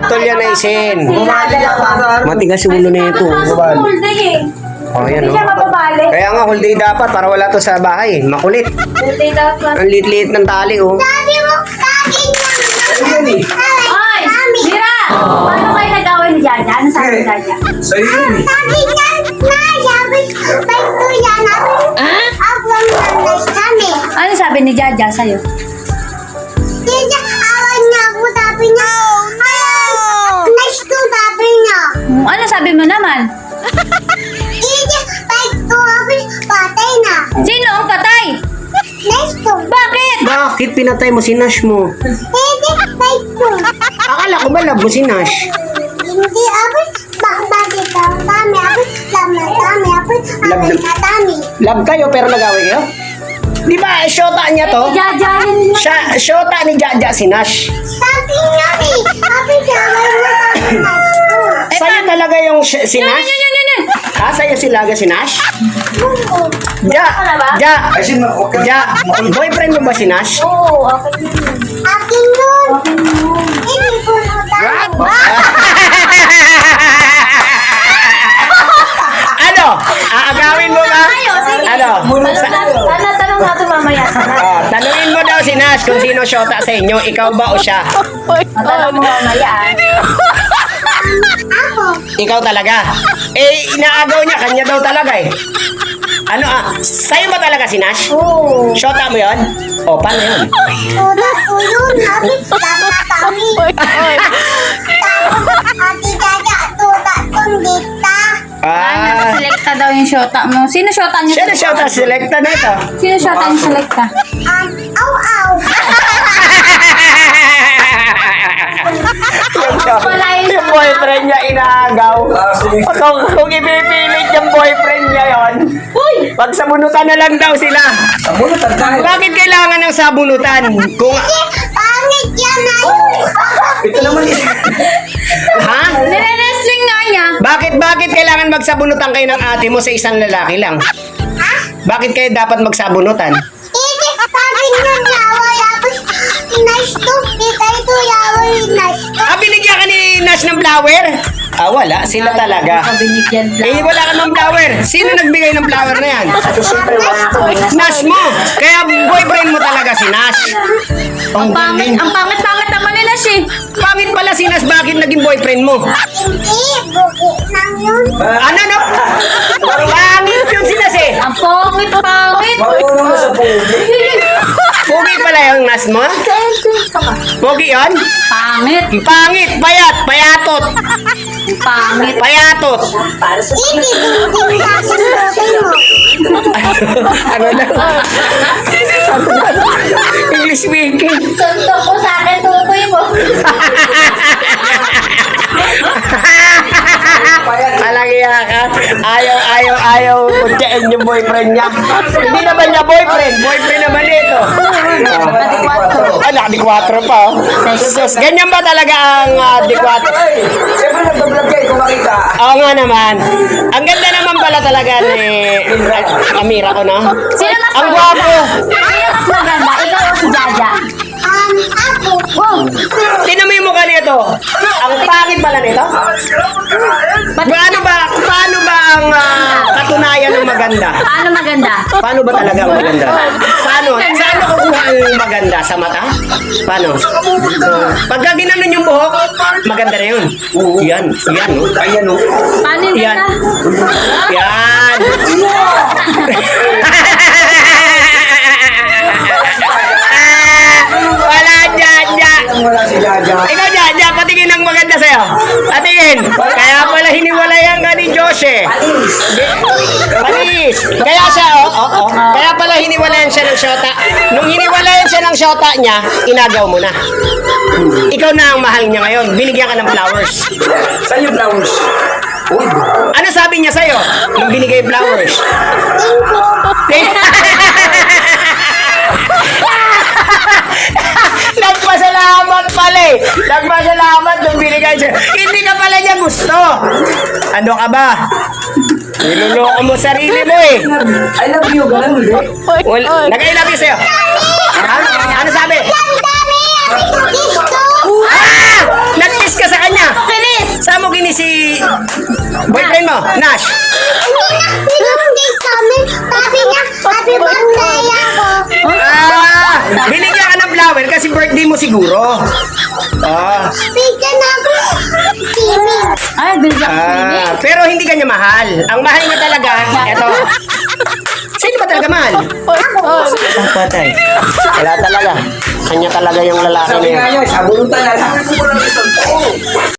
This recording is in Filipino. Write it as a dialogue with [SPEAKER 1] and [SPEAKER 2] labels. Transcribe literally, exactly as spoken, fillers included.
[SPEAKER 1] Putol yan na isin.
[SPEAKER 2] Bumali ka pa.
[SPEAKER 1] Matigas yung ulo na ito.
[SPEAKER 3] Whole day eh.
[SPEAKER 1] Oh, yan
[SPEAKER 3] Hindi
[SPEAKER 1] oh.
[SPEAKER 3] siya mababali.
[SPEAKER 1] Kaya nga, whole day dapat para wala to sa bahay. Makulit.
[SPEAKER 3] Whole day dapat.
[SPEAKER 1] Ang liit-liit ng tali, oh.
[SPEAKER 4] Sabi mo, sabi
[SPEAKER 2] Ayun eh.
[SPEAKER 3] Ay! Mira! Paano kayo nag-away ni Jaja? Ano sabi ni Jaja?
[SPEAKER 2] Sa'yo yun eh.
[SPEAKER 4] Sabi niya, na, sabi, ba't to yan?
[SPEAKER 3] Ah?
[SPEAKER 4] Abang nanay kami.
[SPEAKER 3] Ano sabi ni Jaja sa'yo?
[SPEAKER 4] Hindi, awan niya ako, sabi niya. Nice to, sabi niya.
[SPEAKER 3] Hmm, ano sabi mo naman?
[SPEAKER 4] Hindi, ba't to, sabi, patay na.
[SPEAKER 3] Sino ang patay?
[SPEAKER 4] Nice to.
[SPEAKER 3] Bakit?
[SPEAKER 1] Bakit pinatay mo si Nash mo?
[SPEAKER 4] Hindi, ba't to.
[SPEAKER 1] Akala ko ba love mo si Nash?
[SPEAKER 4] Hindi, abi, bak bakit daw kami, abi, love na kami, abi,
[SPEAKER 1] Love
[SPEAKER 4] abi
[SPEAKER 1] na-
[SPEAKER 4] na kami.
[SPEAKER 1] Love kayo pero nag-away kayo? Di ba, syota niya to?
[SPEAKER 3] Jaja yun.
[SPEAKER 1] Siya, syota ni Jaja si Nash.
[SPEAKER 4] Sabi niya eh, abi, sabi mo kami, nice to.
[SPEAKER 1] Sa'yo talaga yung sy- si
[SPEAKER 3] Yun,
[SPEAKER 1] Nash?
[SPEAKER 3] yun, yun, yun, yun.
[SPEAKER 1] Ha? Sa'yo sila si Nash?
[SPEAKER 4] Oo.
[SPEAKER 1] Ja!
[SPEAKER 3] Ano ba?
[SPEAKER 1] Ja!
[SPEAKER 2] Kasi ma- okay.
[SPEAKER 1] Ja! Boyfriend mo ba si Nash?
[SPEAKER 3] Oo, okay yun.
[SPEAKER 4] Akin yun.
[SPEAKER 3] Okay yun.
[SPEAKER 4] Hindi ko na tayo.
[SPEAKER 1] Ano? Aagawin mo ba?
[SPEAKER 3] Ayo, sige.
[SPEAKER 1] Ano?
[SPEAKER 3] Tanong natin, ano, tanong natin mamaya sa
[SPEAKER 1] Ah, tanungin mo daw si Nash kung sino syota sa inyo, ikaw ba o siya?
[SPEAKER 3] Tanong mo mamaya. ah.
[SPEAKER 4] Ako.
[SPEAKER 1] Ikaw talaga. Eh, inaagaw niya, kanya daw talaga eh. Ano ah, sa'yo ba talaga si Nash?
[SPEAKER 3] Oo.
[SPEAKER 1] Syota mo yon? O, paano yun?
[SPEAKER 4] Tuda ko yun, abi, love na kami. Tapos, ati Jaja, tuda kong dita.
[SPEAKER 3] Ah,
[SPEAKER 1] Ah,
[SPEAKER 3] nakaselekta daw yung shota mo. Sino shota niyo?
[SPEAKER 1] siya na syota, selecta na ito.
[SPEAKER 3] Sino shota niyo selekta?
[SPEAKER 4] Um, aw, aw.
[SPEAKER 3] Wala yun.
[SPEAKER 1] Yung boyfriend niya inaagaw.
[SPEAKER 2] Ah, sige.
[SPEAKER 1] Kung, kung ipipilit yung boyfriend niya yon,
[SPEAKER 3] Uy!
[SPEAKER 1] pagsabunutan na lang daw sila.
[SPEAKER 2] Sa bunutan tayo.
[SPEAKER 1] Bakit kailangan ng sabunutan? Kung,
[SPEAKER 4] Pangit yan na
[SPEAKER 2] Ito naman eh.
[SPEAKER 1] ha?
[SPEAKER 3] Nire-wrestling nga niya.
[SPEAKER 1] Bakit, bakit kailangan magsabunutan kayo ng ate mo sa isang lalaki lang?
[SPEAKER 4] Ha?
[SPEAKER 1] Bakit kayo dapat magsabunutan?
[SPEAKER 4] Hindi, sabi niya yaway, tapos nice to, kita ito yaway, nice to.
[SPEAKER 1] Ah, binigyan ka ni Nash ng flower? Ah, wala. Sila talaga.
[SPEAKER 3] Binigyan
[SPEAKER 1] Eh, wala ka ng flower. Sino nagbigay ng flower na yan? Nash mo. Kaya boyfriend mo talaga si Nash.
[SPEAKER 3] Ang pangit, ang pangit-pangit naman nila siya.
[SPEAKER 1] Pangit pala si Nash. Bakit naging boyfriend mo?
[SPEAKER 4] Hindi, buki lang yun.
[SPEAKER 1] Ano, no? Pangit yun si Nash eh.
[SPEAKER 3] Ang pangit-pangit.
[SPEAKER 2] Marunong na sa pugi.
[SPEAKER 1] Pogi pala yung Nash mo? Pogi yun?
[SPEAKER 3] Pangit.
[SPEAKER 1] Pangit, payat, payatot.
[SPEAKER 3] Pangit.
[SPEAKER 1] Payatot.
[SPEAKER 4] Hindi, buki sa akin buki mo.
[SPEAKER 1] Ano na? English speaking.
[SPEAKER 3] Suntok ko sa akin, tukoy mo.
[SPEAKER 1] Alagya ka. Ayaw, ayaw, ayaw kutyain yung boyfriend niya. Hindi naman niya boyfriend. Boyfriend naman ito. Ah, naka-di kwatro pa. Oh. Sus, ganyan ba talaga ang uh, di kwatro?
[SPEAKER 2] Ay, siyempre nagbablog kayo kung makita.
[SPEAKER 1] Oo nga naman. Ang ganda naman pala talaga ni uh, Amira ko, no?
[SPEAKER 3] Sino mas
[SPEAKER 1] Ang gwapo.
[SPEAKER 3] Sino mas maganda? Ikaw o si Jaja?
[SPEAKER 4] Um, ako.
[SPEAKER 3] Wow!
[SPEAKER 1] Tinan mo yung mukha nito. Ang pangit pala nito. Paano ba, paano ba ang ah, katunayan ng maganda?
[SPEAKER 3] Paano maganda?
[SPEAKER 1] Paano ba talaga ang maganda? Paano? Saan nakukuha ang maganda? Sa mata? Paano? Pagka ginanon yung buhok, maganda na yun. Yan, yan. Oh.
[SPEAKER 2] Ayan o.
[SPEAKER 3] Paano yung
[SPEAKER 1] Yan.
[SPEAKER 3] ganda?
[SPEAKER 1] Yan. Ah, wala dyan, dyan.
[SPEAKER 2] Wala si Jaja.
[SPEAKER 1] Ikaw dyan, dyan, patingin ang maganda sa'yo. Patingin. Kaya pala hiniwalayan ka ni Josh eh. Panis. Kaya siya, oh, oh, oh. Kaya pala hiniwalayan siya ng shota. Nung hiniwalayan siya ng shota niya, inagaw mo na. Ikaw na ang mahal niya ngayon. Binigyan ka ng flowers.
[SPEAKER 2] Saan yung flowers? Uy,
[SPEAKER 1] Ano sabi niya sa'yo nung binigay yung flowers? Nagpasalamat pala eh. Nagpasalamat nung binigay siya. Hindi ka pala niya gusto. Ano ka ba? Niloloko mo sarili mo eh.
[SPEAKER 2] I love you, ganun hindi.
[SPEAKER 1] Well, nag-I love you sa'yo. Ha? Ano sabi?
[SPEAKER 4] Ang dami, ang gusto.
[SPEAKER 1] Ah! Nag-kiss ka sa kanya. Nash?
[SPEAKER 4] Hindi na, pinag-date kami. Sabi niya, happy birthday ako.
[SPEAKER 1] Ah, binigyan ka ng flower kasi birthday mo siguro. Ah,
[SPEAKER 4] Bigyan ako. Swimming.
[SPEAKER 3] Ay, binigyan ko swimming.
[SPEAKER 1] ah, pero hindi ka niya mahal. Ang mahal niya talaga, eto. Sino ba talaga mahal? Ah, patay. Wala talaga. Kanya talaga yung lalaki na
[SPEAKER 2] Sabi
[SPEAKER 1] yun.
[SPEAKER 2] nga niya, sabunutan na lang.